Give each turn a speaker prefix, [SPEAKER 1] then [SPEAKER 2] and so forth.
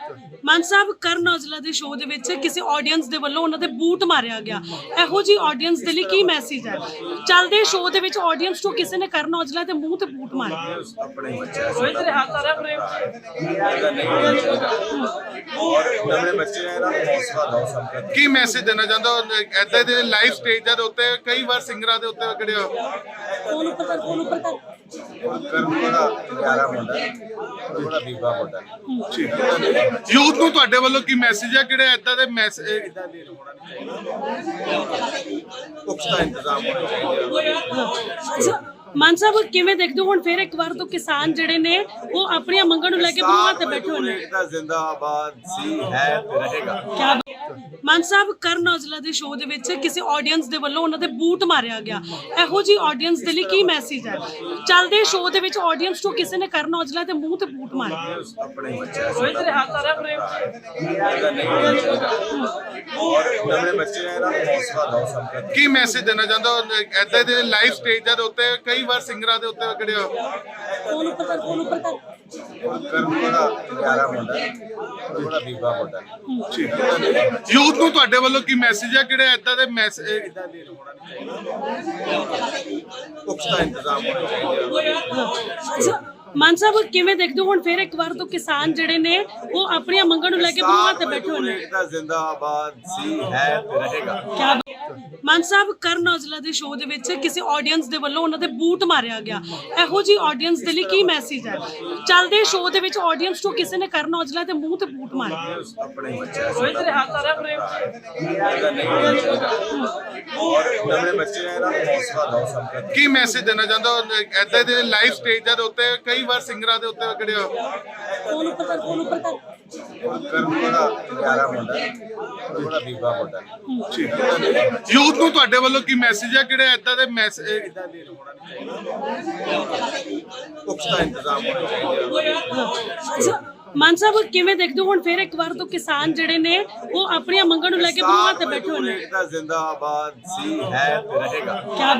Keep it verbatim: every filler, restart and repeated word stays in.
[SPEAKER 1] ਮਾਨ ਸਾਹਿਬ ਕਰਨ ਔਜਲਾ ਦੇ ਸ਼ੋਅ ਦੇ ਵਿੱਚ ਕਿਸੇ ਆਡੀਅנס ਦੇ ਵੱਲੋਂ ਉਹਨਾਂ ਦੇ ਬੂਟ ਮਾਰਿਆ ਗਿਆ। ਇਹੋ ਜੀ ਆਡੀਅנס ਦੇ ਲਈ ਕੀ ਮੈਸੇਜ ਹੈ? ਚੱਲਦੇ ਸ਼ੋਅ ਦੇ ਵਿੱਚ ਆਡੀਅנס ਤੋਂ ਕਿਸੇ ਨੇ ਕਰਨ ਔਜਲਾ ਦੇ ਮੂੰਹ ਤੇ ਬੂਟ ਮਾਰਿਆ।
[SPEAKER 2] ਆਪਣੇ ਕੋਈ ਤੇਰੇ ਹੱਥ ਆ ਰਿਹਾ ਪ੍ਰੇਮ ਨਵੇਂ ਬੱਚੇ ਆ ਇਹਨਾਂ ਨੂੰ ਹੌਸਲਾ ਦਿਓ ਸਭ ਨੂੰ।
[SPEAKER 3] ਕੀ ਮੈਸੇਜ ਦੇਣਾ ਚਾਹੁੰਦਾ ਐਦਾਂ ਦੇ ਲਾਈਵ ਸਟੇਜਾਂ ਦੇ ਉੱਤੇ ਕਈ ਵਾਰ ਸਿੰਗਰਾਂ ਦੇ ਉੱਤੇ ਕਿਹੜੇ
[SPEAKER 1] ਫੋਨ ਉੱਪਰ ਕਰ ਫੋਨ ਉੱਪਰ ਕਰ
[SPEAKER 2] ਕਰਨ ਬੜਾ ਪਿਆਰਾ ਮੁੰਡਾ ਬੜਾ ਬੀਬਾ ਮੁੰਡਾ
[SPEAKER 3] ਠੀਕ ਹੈ। ਯੂਥ ਨੂੰ ਤੁਹਾਡੇ ਵੱਲੋਂ ਕੀ ਮੈਸੇਜ ਹੈ ਕਿਹੜੇ ਐਦਾਂ ਦੇ ਮੈਸੇਜ
[SPEAKER 2] ਇਦਾਂ ਦੀ ਹੋਣਾ ਨਹੀਂ ਚਾਹੀਦਾ ਪੁਖਤਾ ਇੰਤਜ਼ਾਮ ਹੋਣਾ ਚਾਹੀਦਾ।
[SPEAKER 1] ਅੱਛਾ ਮਾਨ ਸਾਹਿਬ ਕਿਵੇਂ ਦੇਖਦੇ ਹੋ ਹੁਣ ਫਿਰ ਇੱਕ ਵਾਰ ਤੋਂ ਕਿਸਾਨ ਜਿਹੜੇ ਨੇ ਉਹ ਆਪਣੀਆਂ ਮੰਗਾਂ ਨੂੰ ਲੈ ਕੇ ਬੂਹਾਂ ਤੇ ਬੈਠੇ ਹੋਏ ਨੇ?
[SPEAKER 2] ਜ਼ਿੰਦਾਬਾਦ ਸੀ ਹੈ ਤੇ ਰਹੇਗਾ।
[SPEAKER 1] ਕਿਆ ਮਾਨ ਸਾਹਿਬ ਕਰਨ ਔਜਲਾ ਦੇ ਸ਼ੋਅ ਦੇ ਵਿੱਚ ਕਿਸੇ ਆਡੀਅנס ਦੇ ਵੱਲੋਂ ਉਹਨਾਂ ਦੇ ਬੂਟ ਮਾਰਿਆ ਗਿਆ। ਇਹੋ ਜੀ ਆਡੀਅנס ਦੇ ਲਈ ਕੀ ਮੈਸੇਜ ਹੈ? ਚੱਲਦੇ ਸ਼ੋਅ ਦੇ ਵਿੱਚ ਆਡੀਅנס ਤੋਂ ਕਿਸੇ ਨੇ ਕਰਨ ਔਜਲਾ ਦੇ ਮੂੰਹ ਤੇ ਬੂਟ ਮਾਰਿਆ।
[SPEAKER 2] ਆਪਣੇ ਬੱਚੇ
[SPEAKER 1] ਕੋਈ ਤੇਰੇ ਹੱਥ ਆ ਰਿਹਾ ਪ੍ਰੇਮ
[SPEAKER 2] ਨਵੇਂ ਬੱਚੇ ਆ ਇਹਨਾਂ ਨੂੰ ਹੌਸਲਾ ਦਿਓ ਸਭ ਨੂੰ।
[SPEAKER 3] ਕੀ ਮੈਸੇਜ ਦੇਣਾ ਚਾਹੁੰਦਾ ਐਦਾਂ ਦੇ ਲਾਈਵ ਸਟੇਜਾਂ ਦੇ ਉੱਤੇ ਕਈ ਵਾਰ ਸਿੰਗਰਾਂ ਦੇ ਉੱਤੇ ਕਿਹੜੇ
[SPEAKER 1] ਫੋਨ ਉੱਪਰ ਕਰ ਫੋਨ ਉੱਪਰ ਕਰ
[SPEAKER 2] ਕਰਨ ਬੜਾ ਪਿਆਰਾ ਮੁੰਡਾ ਬੜਾ ਬੀਬਾ ਮੁੰਡਾ
[SPEAKER 3] ਠੀਕ ਹੈ। ਯੂਥ ਨੂੰ ਤੁਹਾਡੇ ਵੱਲੋਂ ਕੀ ਮੈਸੇਜ ਹੈ ਕਿਹੜੇ ਐਦਾਂ ਦੇ ਮੈਸੇਜ
[SPEAKER 2] ਇਦਾਂ ਦੀ ਹੋਣਾ ਨਹੀਂ ਚਾਹੀਦਾ ਪੁਖਤਾ ਇੰਤਜ਼ਾਮ ਹੋਣਾ ਚਾਹੀਦਾ।
[SPEAKER 1] ਅੱਛਾ ਮਾਨ ਸਾਹਿਬ ਕਿਵੇਂ ਦੇਖਦੇ ਹੋ ਹੁਣ ਫਿਰ ਇੱਕ ਵਾਰ ਤੋਂ ਕਿਸਾਨ ਜਿਹੜੇ ਨੇ ਉਹ ਆਪਣੀਆਂ ਮੰਗਾਂ ਨੂੰ ਲੈ ਕੇ ਬੂਹਾਂ ਤੇ ਬੈਠੇ ਹੋਏ ਨੇ?
[SPEAKER 2] ਜ਼ਿੰਦਾਬਾਦ ਸੀ ਹੈ ਤੇ ਰਹੇਗਾ।
[SPEAKER 1] ਕਿਆ ਮਾਨ ਸਾਹਿਬ ਕਰਨ ਔਜਲਾ ਦੇ ਸ਼ੋਅ ਦੇ ਵਿੱਚ ਕਿਸੇ ਆਡੀਅנס ਦੇ ਵੱਲੋਂ ਉਹਨਾਂ ਦੇ ਬੂਟ ਮਾਰਿਆ ਗਿਆ। ਇਹੋ ਜੀ ਆਡੀਅנס ਦੇ ਲਈ ਕੀ ਮੈਸੇਜ ਹੈ? ਚੱਲਦੇ ਸ਼ੋਅ ਦੇ ਵਿੱਚ ਆਡੀਅנס ਤੋਂ ਕਿਸੇ ਨੇ ਕਰਨ ਔਜਲਾ ਦੇ ਮੂੰਹ ਤੇ ਬੂਟ ਮਾਰਿਆ।
[SPEAKER 2] ਆਪਣੇ ਬੱਚੇ
[SPEAKER 1] ਕੋਈ ਤੇਰੇ ਹੱਥ ਆ ਰਿਹਾ ਪ੍ਰੇਮ
[SPEAKER 2] ਨਵੇਂ ਬੱਚੇ ਆ ਇਹਨਾਂ ਨੂੰ ਹੌਸਲਾ ਦਿਓ ਸਭ ਨੂੰ।
[SPEAKER 3] ਕੀ ਮੈਸੇਜ ਦੇਣਾ ਚਾਹੁੰਦਾ ਐਦਾਂ ਦੇ ਲਾਈਵ ਸਟੇਜਾਂ ਦੇ ਉੱਤੇ ਕਈ ਵਾਰ ਸਿੰਗਰਾਂ ਦੇ ਉੱਤੇ ਕਿਹੜੇ
[SPEAKER 1] ਫੋਨ ਉੱਪਰ ਕਰ ਫੋਨ ਉੱਪਰ ਕਰ
[SPEAKER 2] ਕਰਨ ਬੜਾ ਪਿਆਰਾ ਮੁੰਡਾ ਬੜਾ ਬੀਬਾ ਮੁੰਡਾ
[SPEAKER 3] ਠੀਕ ਹੈ। ਯੂਥ ਨੂੰ ਤੁਹਾਡੇ ਵੱਲੋਂ ਕੀ ਮੈਸੇਜ ਹੈ ਕਿਹੜੇ ਐਦਾਂ ਦੇ ਮੈਸੇਜ
[SPEAKER 2] ਇਦਾਂ ਦੀ ਹੋਣਾ ਨਹੀਂ ਚਾਹੀਦਾ ਪੁਖਤਾ ਇੰਤਜ਼ਾਮ ਹੋਣਾ ਚਾਹੀਦਾ।
[SPEAKER 1] ਅੱਛਾ ਮਾਨ ਸਾਹਿਬ ਕਿਵੇਂ ਦੇਖਦੇ ਹੋ ਹੁਣ ਫਿਰ ਇੱਕ ਵਾਰ ਤੋਂ ਕਿਸਾਨ ਜਿਹੜੇ ਨੇ ਉਹ ਆਪਣੀਆਂ ਮੰਗਾਂ ਨੂੰ ਲੈ ਕੇ ਬੂਹਾਂ ਤੇ ਬੈਠੇ ਹੋਏ ਨੇ?
[SPEAKER 2] ਜ਼ਿੰਦਾਬਾਦ ਸੀ ਹੈ ਤੇ ਰਹੇਗਾ।
[SPEAKER 1] ਕਿਆ